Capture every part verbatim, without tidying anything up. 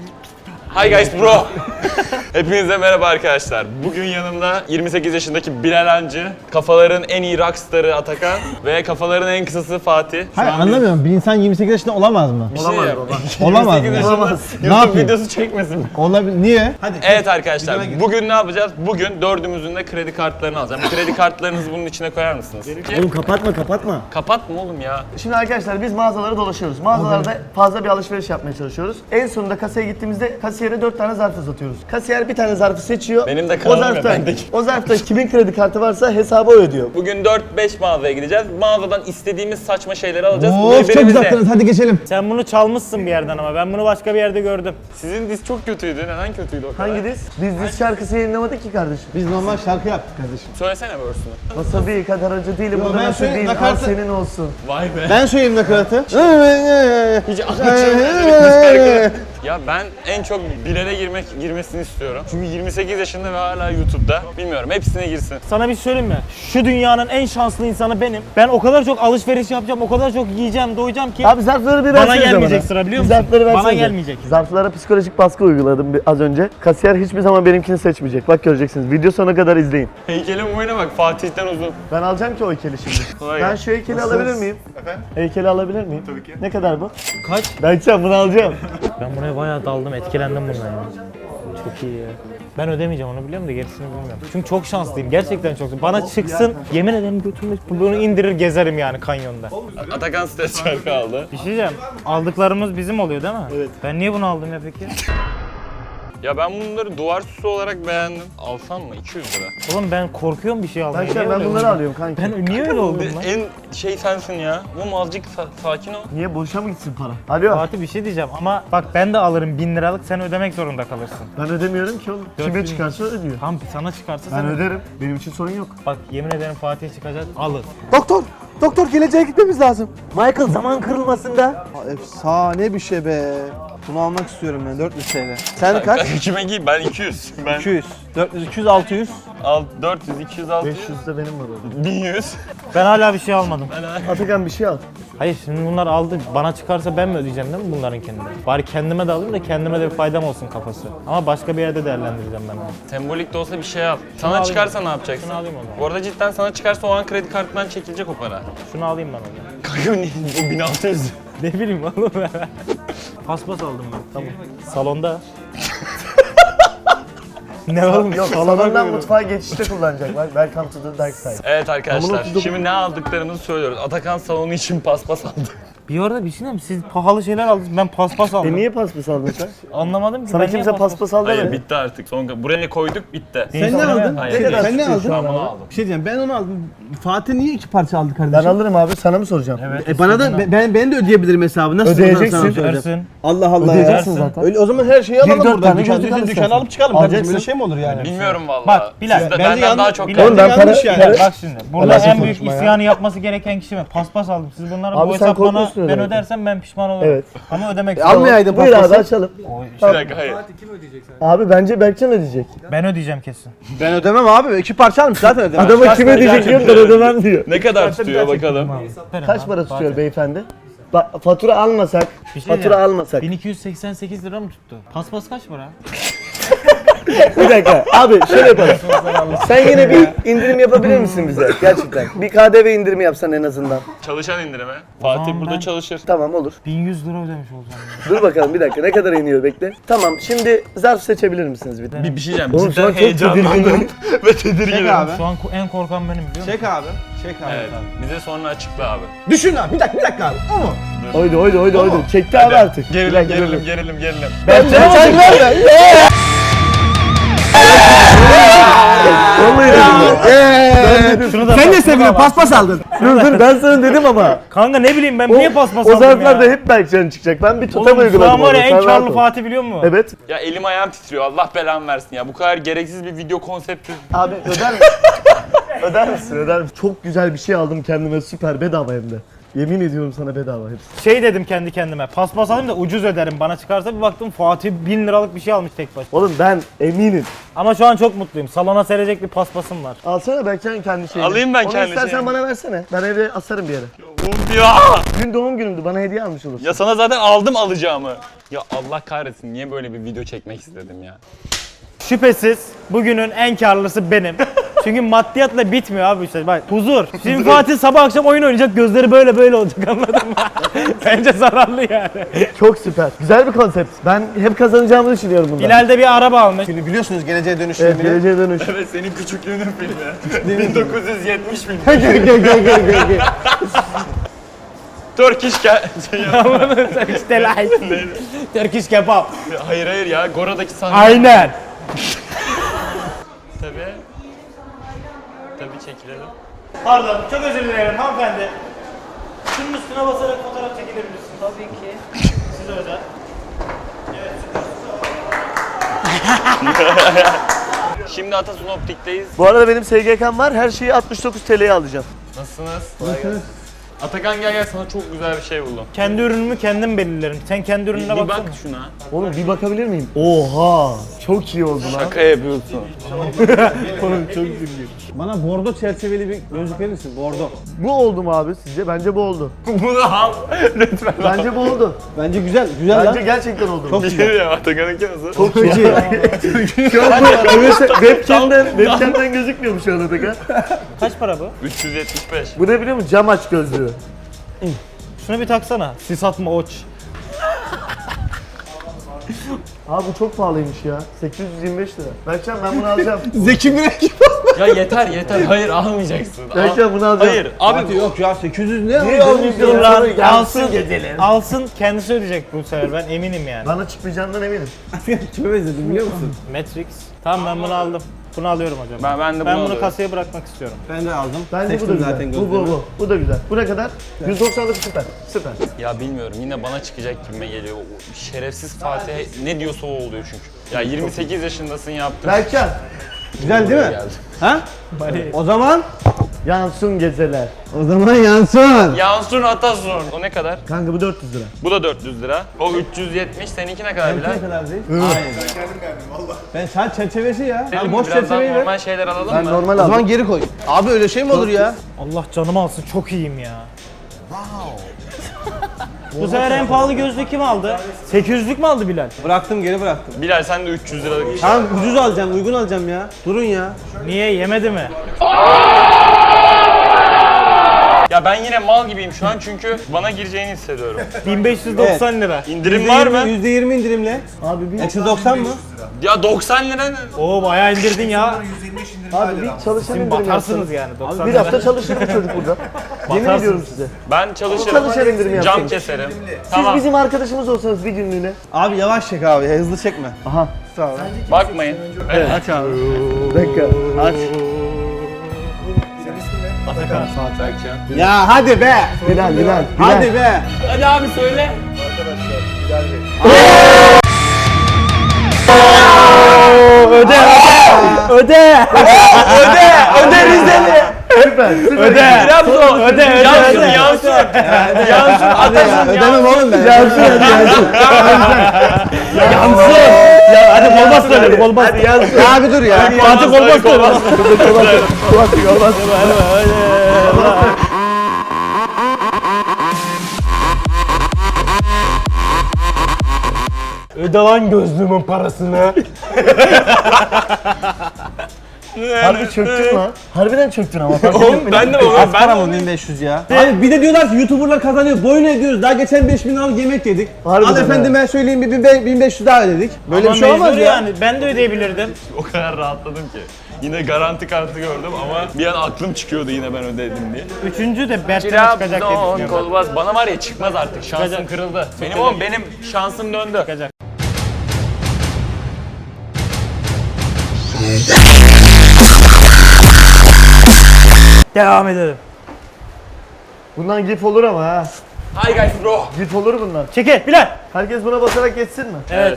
Hi guys bro. Hepinize merhaba arkadaşlar. Bugün yanımda yirmi sekiz yaşındaki Bilal Hancı, kafaların en iyi rockstarı Atakan ve kafaların en kısası Fatih. Hayır anlamıyorum. Bir insan yirmi sekiz yaşında olamaz mı? Bir şey olamaz yap. baba. Olamaz mı? Olamaz. Ne YouTube yapayım? videosu çekmesin mi? Olabilir. Niye? Hadi. Evet arkadaşlar, bugün ne yapacağız? Bugün dördümüzün de kredi kartlarını alacağım. Kredi kartlarınızı bunun içine koyar mısınız? Oğlum kapatma kapatma. Kapatma oğlum ya. Şimdi arkadaşlar biz mağazalara dolaşıyoruz. Mağazalarda fazla bir alışveriş yapmaya çalışıyoruz. En sonunda kasaya gittiğimizde kasiyere dört tane zarf uzatıyoruz. Kasiyer bir tane zarfı seçiyor. Benim de o kanalım ya, zarfta, bendeki. o zarfta kimin kredi kartı varsa hesabı o ödüyor. Bugün dört beş mağazaya gideceğiz. Mağazadan istediğimiz saçma şeyleri alacağız. Of çok Birbirimize- uzattınız. Hadi geçelim. Sen bunu çalmışsın bir yerden ama ben bunu başka bir yerde gördüm. Sizin diz çok kötüydü. Neden kötüydü o kadar? Hangi diz? Biz diz şarkısı yayınlamadık ki kardeşim. Biz normal şarkı yaptık kardeşim. Söylesene verse'ünü. Wasabi kadar acı değilim. Yo, Burada ben nasıl söyle- değil. Al nakaratı- senin olsun. Vay be. Ben söyleyeyim nakaratı. Hiç anlaşılmıyor. Ya ben en çok Bilal'e girmek girmesini istiyorum. Çünkü yirmi sekiz yaşında ve hala YouTube'da. Bilmiyorum, hepsine girsin. Sana bir şey söyleyeyim mi? Şu dünyanın en şanslı insanı benim. Ben o kadar çok alışveriş yapacağım, o kadar çok yiyeceğim, doyacağım ki Abi zarfları bir bana versenize gelmeyecek bana. sıra biliyor Bir musun? zarfları Bana versenize. gelmeyecek. Zarflara psikolojik baskı uyguladım bir- az önce. Kasiyer hiçbir zaman benimkini seçmeyecek. Bak göreceksiniz. Video sonuna kadar izleyin. Heykelin boyuna bak, Fatih'ten uzun. Ben alacağım ki o heykeli şimdi. Kolay Ben gelsin. şu heykeli alabilir miyim? Efendim? Heykeli alabilir miyim? Tabii ki. Ne kadar bu? Kaç? Ben sen bunu alacağım. Ben buraya bayağı daldım, etkilendim bundan ya. Çok iyi ya. Ben ödemeyeceğim onu biliyorum da gerisini bilmiyorum. Çünkü çok şanslıyım, gerçekten çok. Bana çıksın, yemin ederim götümü bunu indirir gezerim yani kanyonda. Atakan stres şarkı aldı. Bir şey diyeceğim, aldıklarımız bizim oluyor değil mi? Evet. Ben niye bunu aldım ya peki? Ya ben bunları duvar süsü olarak beğendim. Alsam mı? iki yüz lira. Oğlum ben korkuyorum bir şey almaya. Ben, Niye ben öyle bunları oldum? alıyorum kanki. Ben niye öyle oldum lan? En şey sensin ya. Oğlum azıcık sa- sakin ol. Niye boşa mı gitsin para? Alo. Fatih bir şey diyeceğim ama bak ben de alırım bin liralık sen ödemek zorunda kalırsın. Ben ödemiyorum ki oğlum. Dört Kime bin. çıkarsa ödüyor. Tam sana çıkarsa Ben sen öderim. Benim için sorun yok. Bak yemin ederim Fatih çıkacak alır. Doktor! Doktor geleceğe gitmemiz lazım. Michael zaman kırılmasında. Efsane bir şey be. Bunu almak istiyorum ben dört yüz T L. Sen kaç? Kime giyeyim? Ben iki yüz. Ben iki yüz. dört yüz, iki yüz, altı yüz. al dört yüz, iki yüz, altı yüz, beş yüz de benim var orada. bin yüz. Ben hala bir şey almadım. Atakan bir şey al. Hayır şimdi bunlar aldı bana çıkarsa ben mi ödeyeceğim değil mi bunların kendine? Bari kendime de alayım da kendime de bir faydam olsun kafası. Ama başka bir yerde değerlendireceğim ben onu. Sembolik de olsa bir şey al. Sana alayım. çıkarsa ne yapacaksın? Şunu alayım o zaman. Bu arada cidden sana çıkarsa o an kredi kartından çekilecek o para. Şunu alayım ben onu. Kanka bu bin altı yüz. Ne bileyim oğlum ben. Paspas aldım ben. Tamam. Salonda. Ne oğlum? Yok salondan mutfağa geçişte kullanacak. Bak welcome to the dark side. Evet arkadaşlar, Ama otuz dokuz şimdi ne aldıklarımızı söylüyoruz. Atakan salonu için paspas aldı. Bir arada bir şey diyeyim mi? Siz pahalı şeyler aldınız ben paspas aldım. E niye paspas aldın sen? Anlamadım ki. Sana ben niye kimse paspas aldı Hayır mı? bitti artık. Son buraya koyduk bitti. Sen ne aldın? Hayır. Ne kadar? Sen ne tutuyor aldın? şu an? Ben bunu aldım. Bir şey diyeceğim. Ben onu aldım. Fatih niye iki parça aldı Ben kardeşim? alırım abi sana mı soracağım? Evet. E bana da ben, ben ben de ödeyebilirim hesabı. Nasıl Ödeyeceksin. sana söyleyeceğim? Versin. Allah Allah Ödeyeceksin ya. zaten. Öyle o zaman her şeyi alalım dört buradan. tane Dükkan, gözlük dükkan, al dükkan istersen. alıp çıkalım Alacaksın. kardeşim. Böyle şey mi olur yani? Bilmiyorum vallahi. Bak, Bilal, Siz de bence benden yanlış- daha çok Bilal, Oğlum ben yanlış para... yani. Bilal, bak şimdi. Burada Alakası en büyük konuşma ya. isyanı yapması gereken kişi ben. Paspas aldım. Siz bunları Abi bu sen hesap bana korkmuyorsun ben öyle. ödersem ben pişman olurum. Evet. Ama ödemek E, zorunda. almayaydın Buyur abi paspası. açalım. Bir dakika hayır. Abi bence Berkcan ödeyecek. Ben ödeyeceğim kesin. Ben ödemem abi. İki parça almış zaten ödemem. Adama kim ödeyecek gerçekten diyor da öyle. ödemem diyor. Ne kadar tutuyor bakalım. Kaç para tutuyor beyefendi? Bak fatura almasak, Bir şey fatura diyeceğim. almasak. bin iki yüz seksen sekiz lira mı tuttu? Paspas kaç para? Bir dakika abi şöyle yapalım. Sen yine bir indirim yapabilir misin bize gerçekten? Bir K D V indirimi yapsan en azından. Çalışan indirimi. Fatih zaman burada ben- çalışır. Tamam olur. bin yüz lira ödemiş olacağım. Dur bakalım bir dakika ne kadar iniyor bekle. Tamam şimdi zarf seçebilir misiniz bir de? Bir, bir şey diyeceğim. Oğlum şu Cidden an çok heyecanlandım tedirginim. ve tedirginim. Çek abi. Şu an ko- en korkan benim biliyor musun? Çek abi. Çek abi. Evet. Bize sonra açıkla abi. Düşün abi. Bir dakika bir dakika abi. O mu? Oydu oydu oydu oydu. Çekti abi artık. Bir Gerilim dakika, gerilim dur. gerilim gerilim. Ben sen ver be. Vallahi dedim ya. Şunu da Sen ne seviyorsun? Paspas aldın. Dur dur ben sana dedim ama. Kanka ne bileyim ben O, niye paspas o aldım zarflarda ya? hep Berkcan çıkacak. Ben bir tutam Oğlum şu uyguladım. an var orada, ya sen en rahat karlı ol. Fatih biliyor musun? Evet. Ya elim ayağım titriyor. Allah belamı versin ya. Bu kadar gereksiz bir video konsepti. Abi öder misin? öder misin? Öder misin? Çok güzel bir şey aldım kendime süper bedava hem de. Yemin ediyorum sana bedava hepsi. Şey dedim kendi kendime paspas alayım da ucuz öderim bana çıkarsa bir baktım Fatih bin liralık bir şey almış tek başına. Oğlum ben eminim. Ama şu an çok mutluyum. Salona serecek bir paspasım var. Alsana Berkcan kendi şeyini. Alayım ben Onu kendi istersen şeyimi. bana versene. Ben evde asarım bir yere. Of ya. Dün doğum günümdü bana hediye almış olursun. Ya sana zaten aldım alacağımı. Ya Allah kahretsin, niye böyle bir video çekmek istedim ya? Şüphesiz bugünün en karlısı benim. Çünkü maddiyatla bitmiyor abi işte. Bak huzur. Şimdi Fatih sabah akşam oyun oynayacak, gözleri böyle böyle olacak, anladın mı? Bence zararlı yani. Çok süper. Güzel bir konsept. Ben hep kazanacağımı düşünüyorum bundan. Hilal de bir araba almış. Şimdi biliyorsunuz geleceğe dönüş Evet, filmini. geleceğe dönüş. Evet, senin küçüklüğünün filmi. bin dokuz yüz yetmiş filmi. Gel gel gel gel gel gel. Turkish ke... İşte like. Turkish kebap. hayır hayır ya, Gora'daki sahne. Aynen. Tabii. Tabii çekilelim. Pardon, çok özür dilerim hanımefendi. Şunun üstüne basarak fotoğraf çekilir misin? Tabii ki. Size özel. Şimdi Atasun Optik'teyiz. Bu arada benim S G K'm var. Her şeyi altmış dokuz T L'ye alacağım. Nasılsınız? Atakan gel gel, sana çok güzel bir şey buldum. Kendi ürünümü kendim belirlerim. Sen kendi Bir, ürününe bir baksana. bak şuna. Oğlum bir bakabilir miyim? Oha! Çok iyi oldu lan. Şaka yapıyorsun. Bana bordo çerçeveli bir gözlük verir misin? Bordo. Bu oldu mu abi sizce? Bence bu oldu. Bunu al. Lütfen. Bence bu oldu. Bence güzel, güzel Bence lan. gerçekten oldu. Çok Bir güzel. şey ya, Atakan'ınki nasıl? Çok iyi. Şu an bu webcam'den, webcam'den gözükmüyor mu şu an Atakan? Kaç para bu? üç yüz yetmiş beş. Bu ne biliyor musun? Cam aç gözlüğü. Şunu bir taksana. Sis atma oç. Abi bu çok pahalıymış ya. sekiz yüz yirmi beş lira. Berkcan ben bunu alacağım. Zeki Müren gibi. Ya yeter yeter. Hayır, almayacaksın. Al. Berkcan bunu alacağım. Hayır abi. Abi yok ya sekiz yüz ne? Niye almayayım Dur ya? lan, Yansın alsın. geceler. Alsın, kendisi ödeyecek bu sefer, ben eminim yani. Bana çıkmayacağından eminim. Kime benzedim biliyor musun? Matrix. Tamam, ben bunu aldım. Bunu alıyorum hocam. Ben, ben de bunu Ben bunu alıyorum. kasaya bırakmak istiyorum. Ben de aldım. Bence Seçtim bu da güzel. zaten bu, bu, gözlüğümü. bu. Bu da güzel. Bu ne kadar? yüz doksanlık süper. Süper. Ya bilmiyorum, yine bana çıkacak gibime geliyor. O şerefsiz Fatih ne diyorsa o oluyor çünkü. Ya yirmi sekiz yaşındasın, yaptın. Berkcan. Güzel değil mi? Geldi. Ha? O zaman? Yansın geceler. O zaman yansın. Yansun Atasun. O ne kadar? Kanka bu dört yüz lira. Bu da dört yüz lira. O üç yüz yetmiş. Seninki ne kadar Bilal? Ne kadar değil? Hayır. Ben sadece çerçevesi ya. Senin Ben boş biraz daha çerçeveyi ver. normal şeyler alalım Ben mı? normal O aldım. zaman geri koy. Abi öyle şey mi olur ya? Allah canımı alsın, çok iyiyim ya. Bu sefer en pahalı gözlüğü kim aldı? sekiz yüzlük mü aldı Bilal? Bıraktım geri bıraktım. Bilal sen de üç yüz liralık bir şey. Tamam ucuz alacağım, uygun alacağım ya. Durun ya. Niye, yemedi mi? Ya ben yine mal gibiyim şu an çünkü bana gireceğini hissediyorum. bin beş yüz doksan lira. İndirim var mı? yüzde yirmi indirimle. Abi bir, Eksi doksan mı? Ya doksan lira ne? Oo, bayağı indirdin ya. abi bir çalışan Şimdi indirim batarsınız yapsanız. yani doksan Bir lira. hafta çalışır bu çocuk burada. Yemin Batarsınız. ediyorum size. Ben çalışırım. Çalışan indirim Cam yapsanız. keserim. Siz Tamam. bizim arkadaşımız olsanız bir günlüğüne. Abi yavaş çek abi, hızlı çekme. Aha. Bakmayın. Evet. Aç abi. Bir dakika. Aç. Atakan. Berkcan. Ya hadi be. Bilal, Bilal. Bilal. Hadi be. Hadi abi söyle. Öde, öde, öde, öde Rizeli. Süper. Süper. Öde, Trabzon. öde, öde, Yansın, öde. yansın. Yansın, Atasun, Ödemem oğlum ben. Yansın hadi yansın. Yansın. Ya hadi kol bastıralım, kol bastır. Hadi yansın. Ya abi dur ya. Fatih kol bastır. Olmaz, olmaz. Öde lan gözlüğümün parasını. Harbi çöktün lan. Harbiden çöktün ama. fark ettin Oğlum mi? ben de Az oğlum para ben mı bin beş yüz ya? Abi bir de diyorlar ki YouTuber'lar kazanıyor. Boyun ediyoruz. Daha geçen beş bin liralık yemek yedik. Harbiden Al efendime söyleyeyim bir bin beş yüz daha ödedik. Böyle Ama bir şey olmaz mecbur ya. yani, ben de ödeyebilirdim. o kadar rahatladım ki. Yine garanti kartı gördüm ama bir an aklım çıkıyordu yine ben ödedim diye. Üçüncü de Berk'ten çıkacak diye Trabzon düşünüyorum. kolbaz. Bana var ya çıkmaz artık. Şansım Çıkacak. kırıldı. Benim oğlum benim şansım döndü. Çıkacak. Devam edelim. Bundan gif olur ama ha. Hi guys bro. Gif olur bundan. Çekil Bilal. Herkes buna basarak geçsin mi? Evet.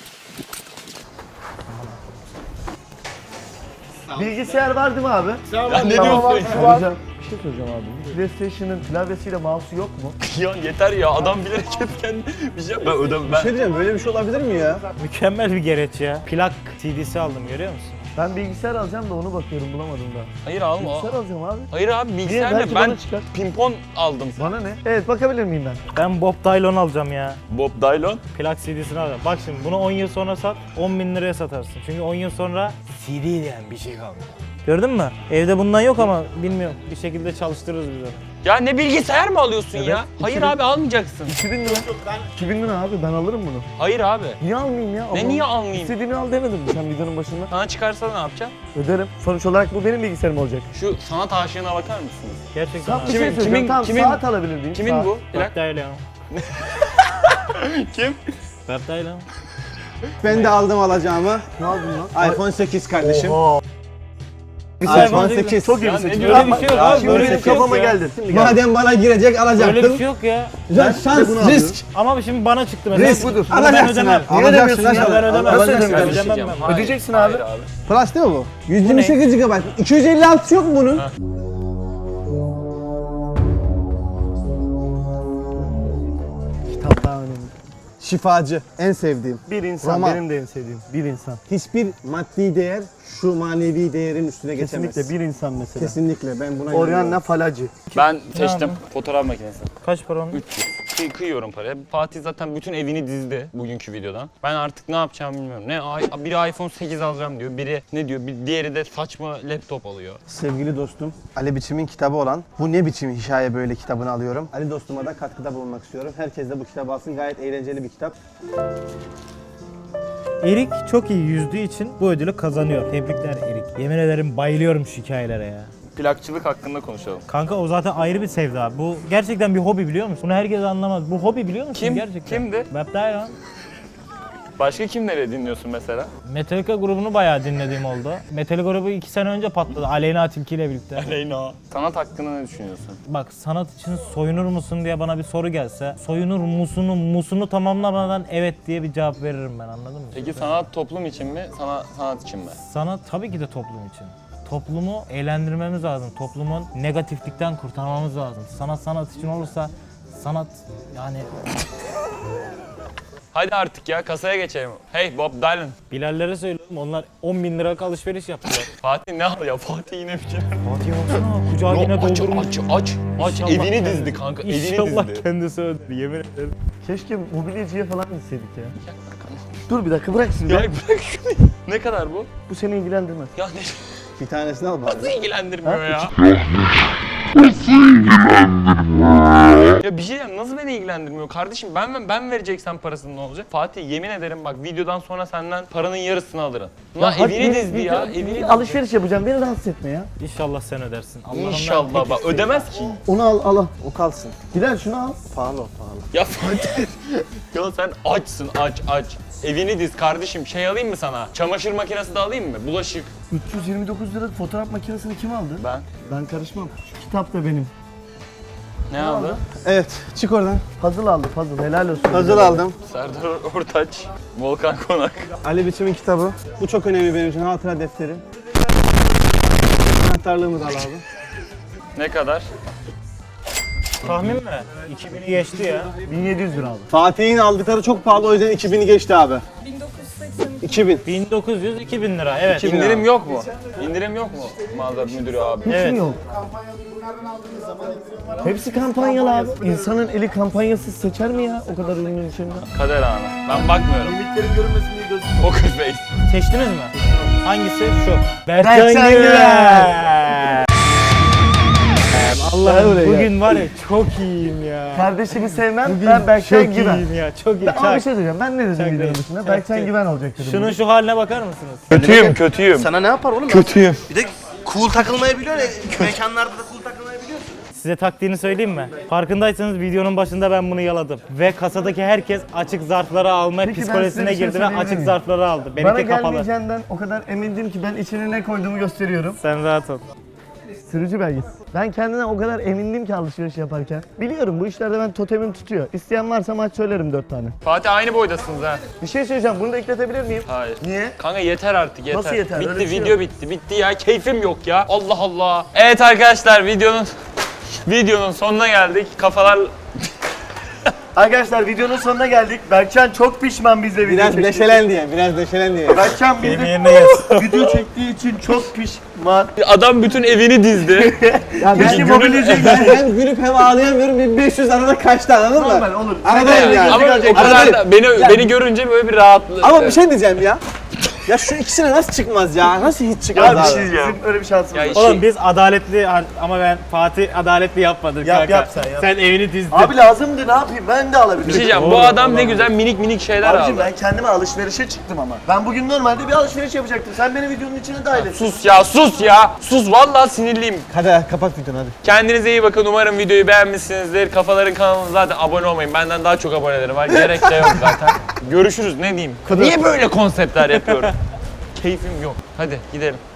Bilgisayar var değil mi abi? Ya ne Tamam, diyorsun? Hocam, bir şey soracağım abi. PlayStation'ın klavyesiyle mouse'u yok mu? Ya yeter ya, adam bilerek hep kendi bir şey ben ödem ben. Bir şey diyeceğim, böyle bir şey olabilir mi ya? Mükemmel bir gereç ya. Plak C D'si aldım, görüyor musun? Ben bilgisayar alacağım da onu bakıyorum, bulamadım da. Hayır alma. Bilgisayar alacağım abi. Hayır abi bilgisayar Belki ne? Ben bana çıkar. pimpon aldım. Bana ne? Evet, bakabilir miyim ben? Ben Bob Dylan alacağım ya. Bob Dylan. Plak C D'sini alacağım. Bak şimdi bunu on yıl sonra sat, on bin liraya satarsın. Çünkü on yıl sonra C D diyen bir şey kalmıyor. Gördün mü? Evde bundan yok ama bilmiyorum. Bir şekilde çalıştırırız biz onu. Ya ne bilgisayar mı alıyorsun ya? Hayır abi almayacaksın. iki bin lira. iki bin lira abi, ben alırım bunu. Hayır abi. Niye almayayım ya? Ne Ama niye almayayım? İstediğini al demedin mi sen videonun başında? Sana çıkarsa ne yapacaksın? Öderim. Sonuç olarak bu benim bilgisayarım olacak. Şu sanat aşığına bakar mısınız? Gerçekten Sen bir abi. şey Kimin- söyleyeceğim. kimin- Tamam, kimin- saat alabilir miyim? Kimin Saat. bu? Bob Plak. Dylan. Kim? Bob Dylan. Ben de aldım alacağımı. Ne aldın lan? iPhone sekiz kardeşim. Oha. iPhone sekiz. Çok iyi Ya bir ne seçim. diyorsun? Böyle bir şey yok abi. Şimdi Böyle benim bir şey yok kafama ya. geldin. Şimdi gel. Madem bana girecek alacaktım. Böyle bir şey yok ya. Ya şans, bunu alıyorum. risk. Ama şimdi bana çıktı mesela. Risk budur. Bunu ben Alacaksın ödemem. abi. Niye Alacaksın ödemiyorsun abi. ya? Ben ödemem. Nasıl Ödemem ödemiyorsun? ben. Hayır, Ödeyeceksin abi. hayır abi. Flash değil mi bu? yüz yirmi sekiz gigabayt. iki yüz elli altı yok mu bunun? Kitap daha önemli. Şifacı. En sevdiğim. Bir insan, Roman. benim de en sevdiğim. Bir insan. Hiçbir maddi değer şu manevi değerin üstüne geçemez. Kesinlikle bir insan mesela. Kesinlikle ben buna Oriana inanıyorum. Falacı. Ben seçtim aldın? fotoğraf makinesi. Kaç para onun? üç yüz. Kıy- kıyıyorum paraya. Fatih zaten bütün evini dizdi bugünkü videodan. Ben artık ne yapacağımı bilmiyorum. Ne ay- biri iPhone sekiz alacağım diyor. Biri ne diyor? Bir diğeri de saçma laptop alıyor. Sevgili dostum, Ali Biçim'in kitabı olan Bu Ne Biçim Hikaye Böyle kitabını alıyorum. Ali dostuma da katkıda bulunmak istiyorum. Herkes de bu kitabı alsın. Gayet eğlenceli bir kitap. Erik çok iyi yüzdüğü için bu ödülü kazanıyor. Tebrikler Erik. Yemin ederim bayılıyorum şu hikayelere ya. Plakçılık hakkında konuşalım. Kanka o zaten ayrı bir sevda. Bu gerçekten bir hobi biliyor musun? Bunu herkes anlamaz. Bu hobi biliyor musun Kim? gerçekten? Kimdi? Bob Dylan. Başka kimleri dinliyorsun mesela? Metallica grubunu bayağı dinlediğim oldu. Metallica grubu iki sene önce patladı. Aleyna Tilki ile birlikte. Aleyna. Sanat hakkında ne düşünüyorsun? Bak sanat için soyunur musun diye bana bir soru gelse soyunur musunu musunu tamamlamadan evet diye bir cevap veririm ben, anladın mı? Peki sanat toplum için mi? Sana, sanat için mi? Sanat tabii ki de toplum için. Toplumu eğlendirmemiz lazım. Toplumun negatiflikten kurtarmamız lazım. Sanat sanat için olursa sanat yani Hadi artık ya kasaya geçelim. Hey Bob Dylan. Bilallere söylüyorum, onlar on bin liralık alışveriş yaptılar. Fatih ne al ya? Fatih yine bir şey. Fatih baksana kucağı yine Yo, aç, doldurmuş. aç, aç, aç. İnşallah Evini kendi- dizdi kanka, evini İnşallah dizdi. kendisi öder, yemin ederim. Keşke mobilyacıya falan gitseydik ya. Dur bir dakika, bırak şimdi. Ya bırak şunu. Ne kadar bu? Bu seni ilgilendirmez. Ya ne? Bir tanesini al bari. Nasıl ilgilendirmiyor ya? Ya bir şey diyeyim, nasıl beni ilgilendirmiyor kardeşim? Ben ben vereceksem parasını ne olacak? Fatih yemin ederim bak videodan sonra senden paranın yarısını alırım. Lan hadi evini bir- dizdi bir- ya, bir- evini bir dizdi. Alışveriş yapacağım, beni rahatsız etme ya. İnşallah sen ödersin. Allah'ımdan İnşallah tek bak isteğim. ödemez ki. Onu al, al al. O kalsın. Bilal şunu al. Pahalı o pahalı. Ya Fatih. Ya sen açsın aç aç. Evini diz kardeşim, şey alayım mı sana? Çamaşır makinesi de alayım mı? Bulaşık. üç yüz yirmi dokuz lira fotoğraf makinesini kim aldı? Ben. Ben karışmam. Şu kitap da benim. Ne aldı? Evet, çık oradan. Puzzle aldı, puzzle. Helal olsun. Hazır aldım. Serdar Ortaç, Volkan Konak. Ali Biçim'in kitabı. Bu çok önemli benim için. Hatıra defteri. Anahtarlığımı da al abi. Ne kadar? Tahmin mi? iki bini geçti ya. bin yedi yüz lira aldı. Fatih'in aldıkları çok pahalı, o yüzden iki bini geçti abi. bin dokuz yüz seksen iki. iki bin. bin dokuz yüz iki bin lira evet. İndirim yok mu? İndirim yok mu? Mağaza müdürü abi. Hiç Evet. mi yok? Hepsi kampanyalı abi. İnsanın eli kampanyasız seçer mi ya o kadar ürünün içinde? Kader anı. Ben bakmıyorum. Limitlerin görünmesin diye gözüm. Poker face. Seçtiniz mi? Hangisi? Şu. Berkcan Berkcan Güven. Güven. Gel Allah'ım buraya. bugün var ya çok iyiyim ya. Kardeşimi sevmem, Bugün ben Berkcan çok Güven. iyiyim ya, çok iyi. Ben, ama bir Çak. şey söyleyeceğim, ben ne dedim Çak videonun değil. dışında? Çak Berkcan değil. Güven olacak dedim. Şunun şu haline bakar mısınız? Kötüyüm, kötüyüm. Sana ne yapar oğlum? Kötüyüm. Bir de cool takılmayı biliyor ya. Mekanlarda da cool takılmayı biliyor. Size taktiğini söyleyeyim mi? Farkındaysanız videonun başında ben bunu yaladım. Ve kasadaki herkes açık zarfları alma Peki ben psikolojisine size bir şey girdi ve söyleyebilir açık miyim? zarfları aldı. Bana Benimki kapalı. gelmeyeceğinden o kadar emindim ki ben içine ne koyduğumu gösteriyorum. Sen rahat ol. Sürücü belgesi. Ben kendine o kadar emindim ki alışveriş yaparken. Biliyorum bu işlerde ben totemim tutuyor. İsteyen varsa maç söylerim dört tane. Fatih aynı boydasınız ha. Bir şey söyleyeceğim, bunu da ekletebilir miyim? Hayır. Niye? Kanka yeter artık yeter. Nasıl yeter? Bitti Öyle bir şey video yok. bitti. Bitti ya. Keyfim yok ya. Allah Allah. Evet arkadaşlar videonun videonun sonuna geldik. Kafalar Arkadaşlar videonun sonuna geldik. Berkcan çok pişman bizle video Biraz çektiği için. neşelen diye, biraz neşelen diye. Berkcan Benim bizle yerine yaz. video çektiği için çok pişman. Adam bütün evini dizdi. Ya Keşke günün- mobilyacıya ben gitsin. hem gülüp hem ağlayamıyorum. bin beş yüz arada kaçtı anladın mı? Normal olur. Aradayım yani. Ama o kadar da beni beni görünce böyle bir rahatlık. Ama bir şey diyeceğim ya. Ya şu ikisine nasıl çıkmaz ya? Nasıl hiç çıkmaz Ya bir abi? şey diyeceğim. Bizim öyle bir şansımız Ya yok. şey- Oğlum biz adaletli ama ben Fatih adaletli yapmadık Yap, kanka. yap sen, yap. Sen evini dizdin. Abi lazımdı ne yapayım ben de alabilirim. Bir şey diyeceğim. Bu adam ne güzel minik minik şeyler Abicim aldı. ben kendime alışverişe çıktım ama. Ben bugün normalde bir alışveriş yapacaktım. Sen beni videonun içine dahil et. Sus ya sus ya. Sus vallahi sinirliyim. Hadi kapat videonu hadi. Kendinize iyi bakın. Umarım videoyu beğenmişsinizdir. Kafaların kanalına zaten abone olmayın. Benden daha çok aboneleri var. Gerek de yok zaten. Görüşürüz ne diyeyim. Niye böyle konseptler yapıyorum? Keyfim yok. Hadi gidelim.